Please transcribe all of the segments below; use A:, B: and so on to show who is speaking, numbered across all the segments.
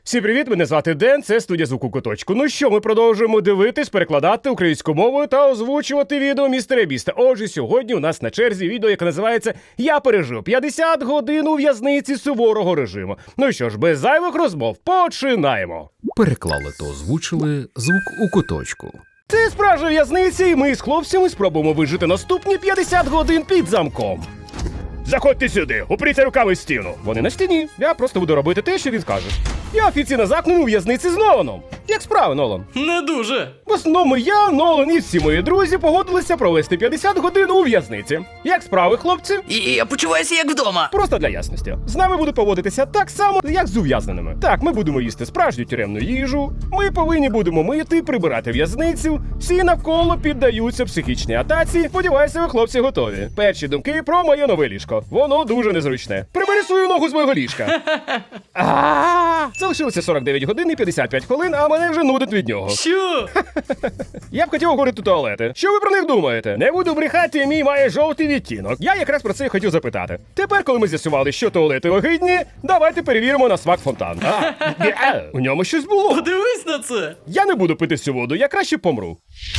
A: Всім привіт, мене звати Ден, це студія звуку Куточку. Ну що, ми продовжуємо дивитись, перекладати українською мовою та озвучувати відео Містера Біста. Отже, сьогодні у нас на черзі відео, яке називається «Я пережив 50 годин у в'язниці суворого режиму». Ну що ж, без зайвих розмов, починаємо.
B: Переклали та озвучили звук у куточку.
A: Це справжня в'язниця, і ми з хлопцями спробуємо вижити наступні 50 годин під замком. Заходьте сюди, упріться руками в стіну. Вони на стіні. Я просто буду робити те, що він скаже. Я офіційно замкнений у в'язниці з Ноланом. Як справи, Нолан?
C: Не дуже.
A: В основному я, Нолан і всі мої друзі погодилися провести 50 годин у в'язниці. Як справи, хлопці?
C: І я почуваюся як вдома.
A: Просто для ясності. З нами будуть поводитися так само, як з ув'язненими. Так, ми будемо їсти справжню тюремну їжу, ми повинні будемо мити, прибирати в'язницю, всі навколо піддаються психічній атаці. Сподіваюся, ви, хлопці, готові. Перші думки про моє нове ліжко. Воно дуже незручне. Прибери свою ногу з мого ліжка. Залишилося 49 годин і 55 хвилин, а мене вже нудить від нього.
C: Що?
A: Я б хотів оголити туалети. Що ви про них думаєте? Не буду брехати, мій має жовтий відтінок. Я якраз про це і хотів запитати. Тепер, коли ми з'ясували, що туалети огидні, давайте перевіримо на смак фонтан. У ньому щось було.
C: Подивись на це.
A: Я не буду пити всю воду, я краще помру.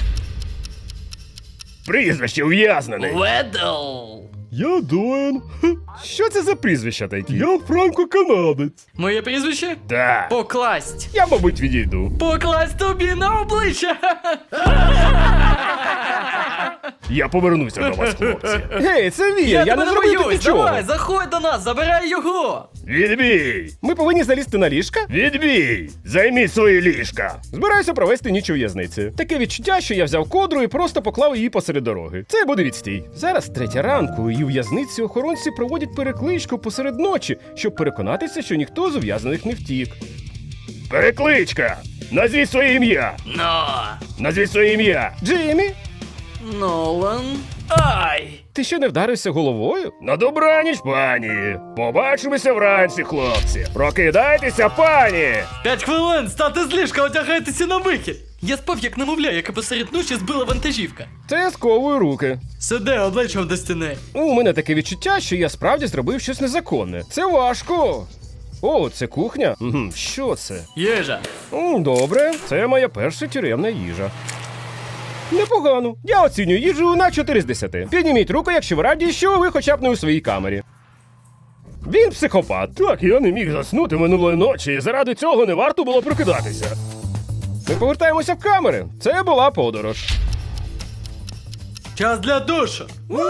A: Прізвище ув'язнений.
C: Ведл.
A: Я Дуен. Що це за прізвища такі? Я франко-канадець.
C: Моє прізвище?
A: Так.
C: Покласть.
A: Я, мабуть, відійду.
C: Покласть тобі на обличчя.
A: Я повернуся до вас, хлопці. Гей, це він, я
C: тебе
A: не зробив тобі
C: боюсь.
A: нічого.
C: Давай, заходь до нас, забирай його.
A: Відбій! Ми повинні залізти на ліжка? Відбій! Займіть свої ліжка! Збираюся провести ніч у в'язниці. Таке відчуття, що я взяв кодру і просто поклав її посеред дороги. Це буде відстій. Зараз 3 ранку, і у в'язниці охоронці проводять перекличку посеред ночі, щоб переконатися, що ніхто з ув'язнених не втік. Перекличка! Назвіть своє ім'я! Назвіть своє ім'я! Джиммі!
C: Нолан. Ай!
A: Ти що, не вдарився головою? На добраніч, пані! Побачимося вранці, хлопці! Прокидайтеся, пані!
C: 5 хвилин, стати з ліжка, одягайтеся на вихід. Я спав як немовля, яке посеред ночі збила вантажівка.
A: Це сковую руки.
C: Сиди обличчям до стіни.
A: У мене таке відчуття, що я справді зробив щось незаконне. Це важко. О, це кухня? Що це?
C: Їжа.
A: Добре, це моя перша тюремна їжа. Непогано. Я оцінюю їжу на 4 з 10. Підніміть руку, якщо ви раді, що ви хоча б не у своїй камері. Він психопат. Так, я не міг заснути минулої ночі, і заради цього не варто було прокидатися. Ми повертаємося в камери. Це була подорож.
C: Час для душу.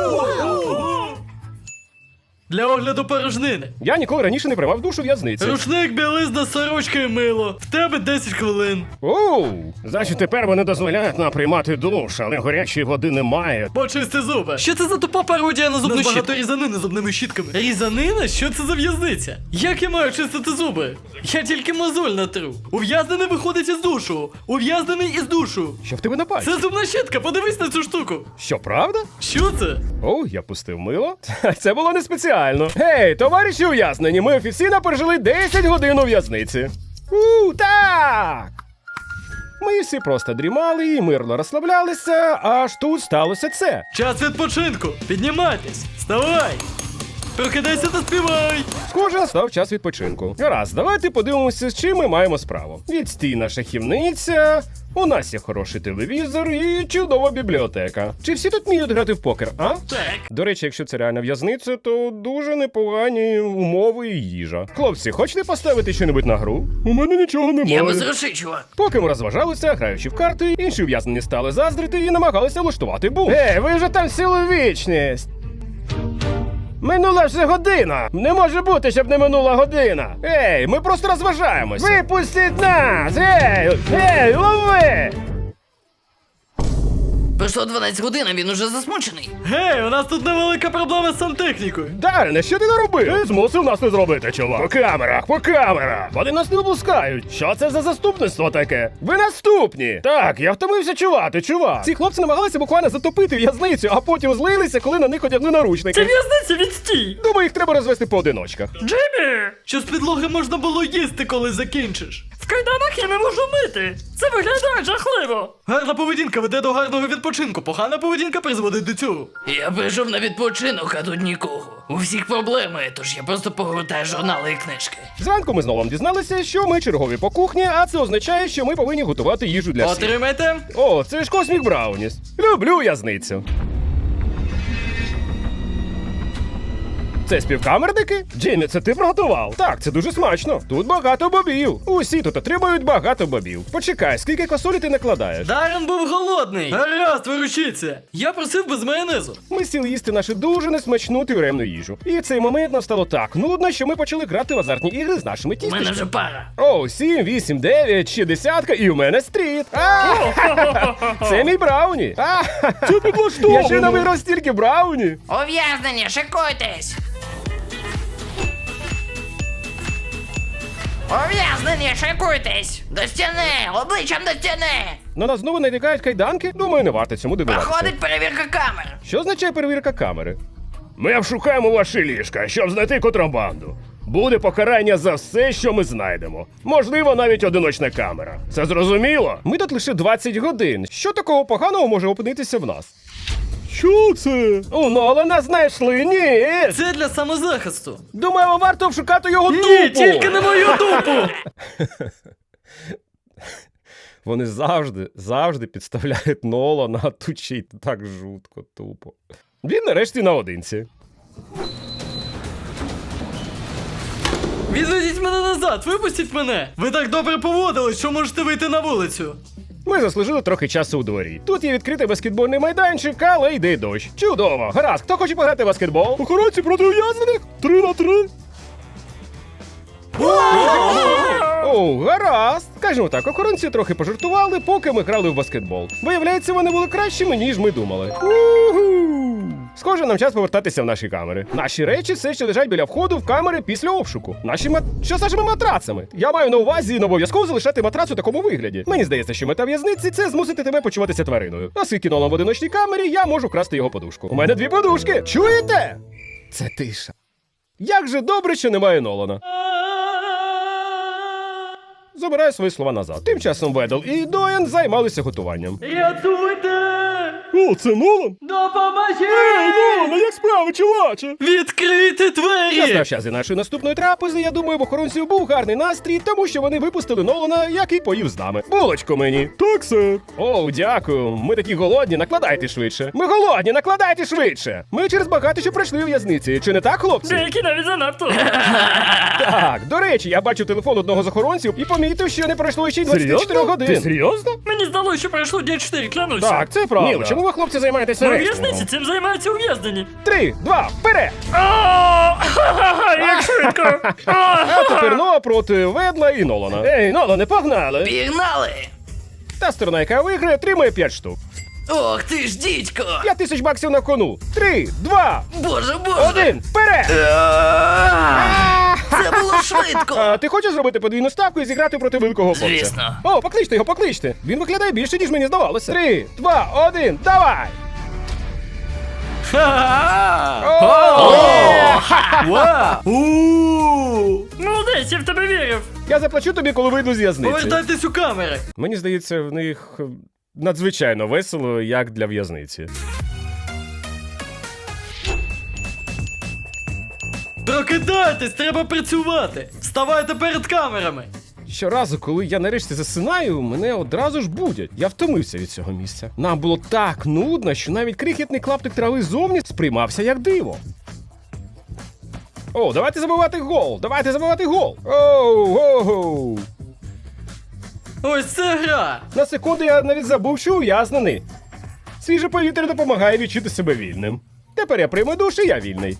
C: Для огляду порожнини.
A: Я ніколи раніше не приймав душу в в'язниці.
C: Рушник, білизна, сорочка і мило. В тебе 10 хвилин.
A: Оу, значить тепер вони дозволяють нам приймати душ, але гарячої води немає.
C: Почисти зуби. Що це за тупа пародія на зубну щітку? Багато різанини зубними щітками. Різанина? Що це за в'язниця? Як я маю чистити зуби? Я тільки мозоль натру. Ув'язнений виходить із душу. Ув'язнений із душу.
A: Що в тебе на пальці?
C: Це зубна щітка, подивись на цю штуку.
A: Що, правда?
C: Що це?
A: О, я пустив мило. Це було не спеціально. Гей, товариші ув'язнені, ми офіційно пережили 10 годин у в'язниці. Так! Ми всі просто дрімали і мирно розслаблялися, аж тут сталося це.
C: Час відпочинку. Піднімайтесь. Вставай. Прокидайся та співай.
A: Схоже, настав час відпочинку. Гаразд, давайте подивимося, з чим ми маємо справу. Відстійна шахівниця, у нас є хороший телевізор і чудова бібліотека. Чи всі тут вміють грати в покер, а?
C: Так.
A: До речі, якщо це реальна в'язниця, то дуже непогані умови і їжа. Хлопці, хочете поставити щось на гру? У мене нічого немає.
C: грошей, чувак.
A: Поки ми розважалися, граючи в карти, інші ув'язнені стали заздрити і намагалися влаштувати бунт. Ви вже там цілу вічність! Минула вже година! Не може бути, щоб не минула година! Ей, ми просто розважаємося! Випустіть нас! Ей, лови!
D: Пройшло 12 годин, а він уже засмучений.
C: Гей, у нас тут невелика проблема з сантехнікою.
A: Дарине, що ти наробив? Ти змусив нас не зробити, чувак. По камерах, по камерах. Вони нас не випускають. Що це за заступництво таке? Ви наступні. Так, я втомився чувати, чувак. Ці хлопці намагалися буквально затопити в'язницю, а потім злилися, коли на них одягли наручники.
C: Це в'язниця, відстій!
A: Думаю, їх треба розвести по одиночках.
C: Джиммі! Що з підлоги можна було їсти, коли закінчиш? В кайданах я не можу мити. Це виглядає жахливо. Гарна поведінка веде до гарного відпочинку. Погана поведінка призводить до цього.
D: Я прийшов на відпочинок, а тут нікого. У всіх проблеми, тож я просто погортаю журнали і книжки.
A: Зранку ми знову дізналися, що ми чергові по кухні, а це означає, що ми повинні готувати їжу для всіх.
C: Отримайте.
A: О, це ж Космік Брауніс. Люблю в'язницю. Це співкамерники? Джиммі, це ти приготував? Так, це дуже смачно. Тут багато бобів. Усі тут отримують багато бобів. Почекай, скільки квасолі ти накладаєш?
C: Даррен був голодний. Гаразд, виручіться. Я просив без майонезу.
A: Ми сіли їсти нашу дуже несмачну тюремну їжу. І в цей момент нам стало так нудно, що ми почали грати в азартні ігри з нашими
D: У мене вже
A: тістечками.
D: пара.
A: О, 7, 8, 9, ще десятка, і у мене стріт. Це мій брауні. Це підлаштовано. Я ще не виграв стільки брауні.
D: Ув'язнення, шикуйтесь! Ув'язнення, шикуйтесь! До стіни! Обличчям до стіни!
A: На нас знову натякають кайданки? Думаю, не варто цьому дивуватися.
D: Проходить перевірка камер.
A: Що означає перевірка камери? Ми обшукаємо ваші ліжка, щоб знайти контрабанду. Буде покарання за все, що ми знайдемо. Можливо, навіть одиночна камера. Це зрозуміло? Ми тут лише 20 годин. Що такого поганого може опинитися в нас? Що це? У Нолана знайшли, ні.
C: Це для самозахисту.
A: Думаємо, варто обшукати його дупу.
C: Ні, тільки не мою дупу.
A: Вони завжди підставляють Нолана, а тут ще й так жутко, тупо. Він нарешті наодинці.
C: Відведіть мене назад, випустіть мене. Ви так добре поводились, що можете вийти на вулицю.
A: Ми заслужили трохи часу у дворі. Тут є відкритий баскетбольний майданчик, але йде дощ. Чудово! Гаразд, хто хоче пограти в баскетбол? Охоронці проти ув'язнених? 3 на 3. О, гаразд. Скажімо так, охоронці трохи пожартували, поки ми грали в баскетбол. Виявляється, вони були кращими, ніж ми думали. Уху! Схоже, нам час повертатися в наші камери. Наші речі все ще лежать біля входу в камери після обшуку. Що з нашими матрацами? Я маю на увазі не обов'язково залишати матрац у такому вигляді. Мені здається, що мета в'язниці – це змусити тебе почуватися твариною. Оскільки Нолан в одиночній камері, я можу красти його подушку. У мене 2 подушки. Чуєте? Це тиша. Як же добре, що немає Нолана. Забираю свої слова назад. Тим часом Ведл і Доєн займалися готуванням.
C: Рятуйте!
A: О, це Нолан?
C: Допоможіть!
A: Нолан, як справи, чуваче?
C: Відкрийте двері!
A: Настав час і нашої наступної трапези. Я думаю, в охоронців був гарний настрій, тому що вони випустили Нолана, який поїв з нами. Булочку мені. Так, сер. О, дякую. Ми такі голодні, накладайте швидше. Ми голодні, накладайте швидше. Ми через багато що пройшли у в'язниці. Чи не так, хлопці?
C: Деякі навіть занадто.
A: Так, до речі, я бачив телефон одного з охоронців і помітив, що не пройшло ще й 24 годин. Ти серйозно?
C: Мені здалося, що пройшло дня 4, клянуся.
A: Так, це правда. Ніл, чому ви, хлопці, займаєтеся
C: У
A: рейсингом?
C: в'язниці цим займаються ув'язнені.
A: 3, 2, вперед!
C: Як швидко!
A: А тепер Ноа проти Ведла і Нолана. Ей, Нолане, погнали!
D: Пігнали!
A: Та сторона, яка виграє, отримує 5 штук.
D: Ох ти ж дідько!
A: 5000 баксів на кону. 3, 2,
D: Боже, боже!
A: 1, вперед!
D: Це було швидко!
A: А ти хочеш зробити подвійну ставку і зіграти проти великого хлопця?
D: Звісно.
A: О, покличте його, покличте. Він виглядає більше, ніж мені здавалося. 3, 2, 1, давай!
C: Молодець, я в тебе вірив.
A: Я заплачу тобі, коли вийду з в'язниці.
C: Повертайтесь у камери.
A: Мені здається, в них надзвичайно весело, як для в'язниці.
C: Прокидайтесь, треба працювати. Вставайте перед камерами.
A: Щоразу, коли я нарешті засинаю, мене одразу ж будять. Я втомився від цього місця. Нам було так нудно, що навіть крихітний клаптик трави зовні сприймався як диво. О, давайте забивати гол! Давайте забивати гол! Оу!
C: Ось це гра.
A: На секунду я навіть забув, що ув'язнений. Свіже повітря допомагає відчути себе вільним. Тепер я прийму душ і я вільний.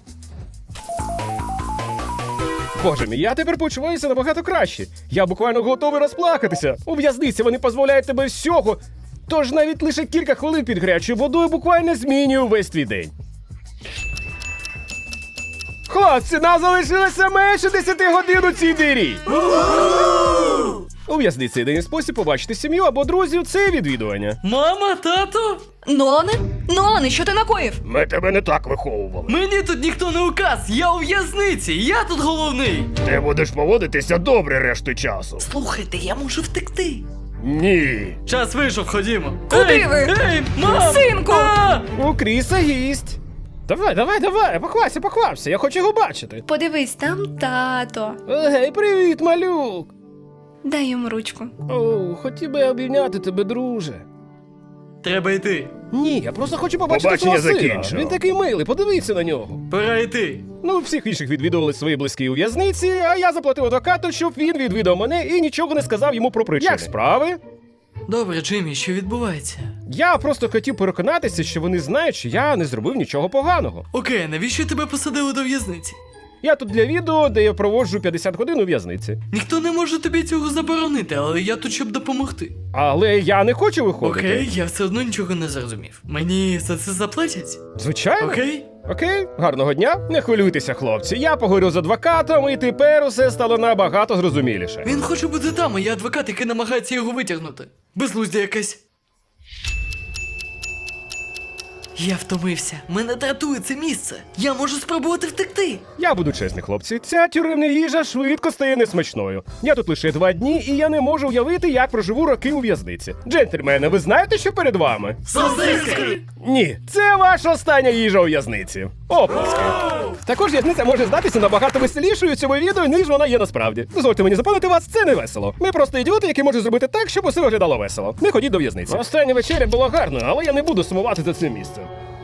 A: Боже мій, я тепер почуваюся набагато краще. Я буквально готовий розплакатися. У в'язниці вони позбавляють тебе всього. Тож навіть лише кілька хвилин під гарячою водою буквально змінює увесь твій день. Хлопці, нам залишилося менше 10 годин у цій дирі. У в'язниці єдиний спосіб побачити сім'ю або друзів – це відвідування.
C: Мама, тато?
E: Нолане, що ти накоїв?
A: Ми тебе не так виховували.
C: Мені тут ніхто не указ, я у в'язниці, я тут головний.
A: Ти будеш поводитися добре решту часу.
C: Слухайте, я можу втекти.
A: Ні.
C: Час вийшов, ходімо.
E: Куди
C: Ей,
E: ви?
C: Ей, мам!
E: Синку!
C: А!
A: У Кріса гість. Давай, поквапся, я хочу його бачити.
E: Подивись, там тато.
A: Гей, привіт, малюк.
E: Дай йому ручку.
A: О, хотів би я обійняти тебе, друже.
C: Треба йти.
A: Ні, я просто хочу побачити
F: Побачення
A: свого сина.
F: закінчено.
A: Він такий милий, подивіться на нього.
C: Пора йти.
A: Ну, всіх інших відвідували свої близькі у в'язниці, а я заплатив адвокату, щоб він відвідав мене і нічого не сказав йому про причини. Як справи?
C: Добре, Джиммі, що відбувається?
A: Я просто хотів переконатися, що вони знають, що я не зробив нічого поганого.
C: Окей, навіщо тебе посадили до в'язниці?
A: Я тут для відео, де я проводжу 50 годин у в'язниці.
C: Ніхто не може тобі цього заборонити, але я тут, щоб допомогти.
A: Але я не хочу виходити.
C: Окей, я все одно нічого не зрозумів. Мені за це заплатять?
A: Звичайно.
C: Окей?
A: Окей, гарного дня. Не хвилюйтеся, хлопці. Я поговорю з адвокатом, і тепер усе стало набагато зрозуміліше.
C: Він хоче бути там, а я адвокат, який намагається його витягнути. Безглуздя якась. Я втомився. Мене дратує це місце. Я можу спробувати втекти.
A: Я буду чесний, хлопці. Ця тюремна їжа швидко стає несмачною. Я тут лише 2 дні, і я не можу уявити, як проживу роки у в'язниці. Джентльмени, ви знаєте, що перед вами?
C: Сосиски!
A: Ні, це ваша остання їжа у в'язниці. Оплески. Також в'язниця може здатися набагато веселішою у цьому відео, ніж вона є насправді. Дозвольте мені запевнити вас, це не весело. Ми просто ідіоти, які можуть зробити так, щоб усе виглядало весело. Не ходіть до в'язниці. Остання вечеря була гарною, але я не буду сумувати за цим місцем.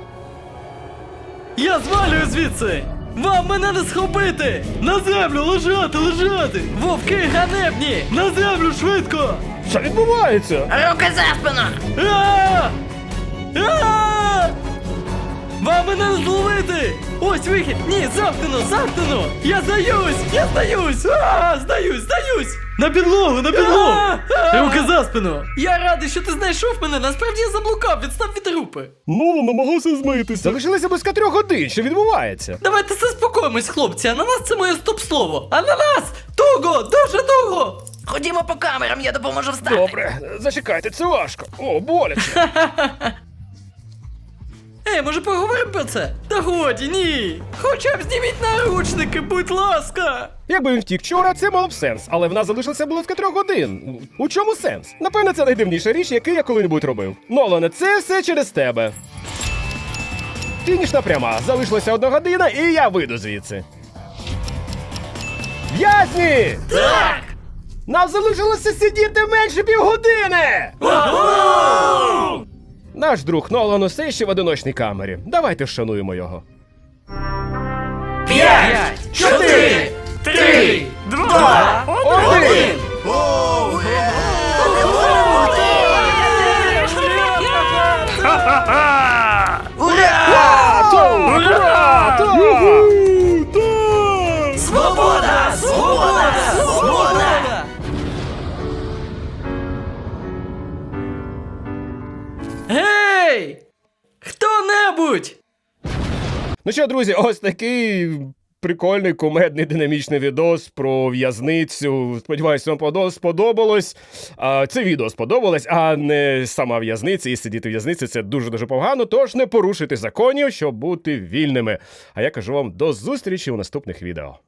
C: Я звалюю звідси! Вам мене не схопити! На землю лежати, лежати! Вовки ганебні! На землю швидко!
A: Що відбувається?
D: Руки за спину!
C: А! А! Вам мене не зловити! Ось вихід! Ні, замкнено, замкнено! Я здаюсь! Я здаюсь! А! Здаюсь! На підлогу, на підлогу! Руки за спину! Я радий, що ти знайшов мене, насправді я заблукав, відстав від групи!
A: Ну, намагався змитися. Залишилося близько 3 годин, що відбувається?
C: Давайте заспокоїмось, хлопці, ананас це моє стоп-слово! Ананас! Туго! Дуже туго!
D: Ходімо по камерам, я допоможу встати.
A: Добре, зачекайте, це важко. О, боляче.
C: Ей, може поговоримо про це? Та годі, ні! Хоча б зніміть наручники, будь ласка!
A: Якби він втік вчора, це мало б сенс, але в нас залишилося близько 3 годин. У чому сенс? Напевне, це найдивніша річ, яку я коли-небудь робив. Нолане, це все через тебе. Фінішна пряма. Залишилася 1 година, і я вийду звідси. В'язні!
C: Так!
A: Нам залишилося сидіти менше півгодини! Наш друг Нолан усе ще в одиночній камері. Давайте вшануємо його.
C: 5, 4, 3, 2,
A: 1!
C: Свобода! Свобода! Свобода! Гей! Хто-небудь!
A: Ну що, друзі, ось такий прикольний, кумедний, динамічний відос про в'язницю. Сподіваюсь, вам сподобалось. Це відео сподобалось, а не сама в'язниця. І сидіти в в'язниці – це дуже-дуже погано, тож не порушуйте законів, щоб бути вільними. А я кажу вам до зустрічі у наступних відео.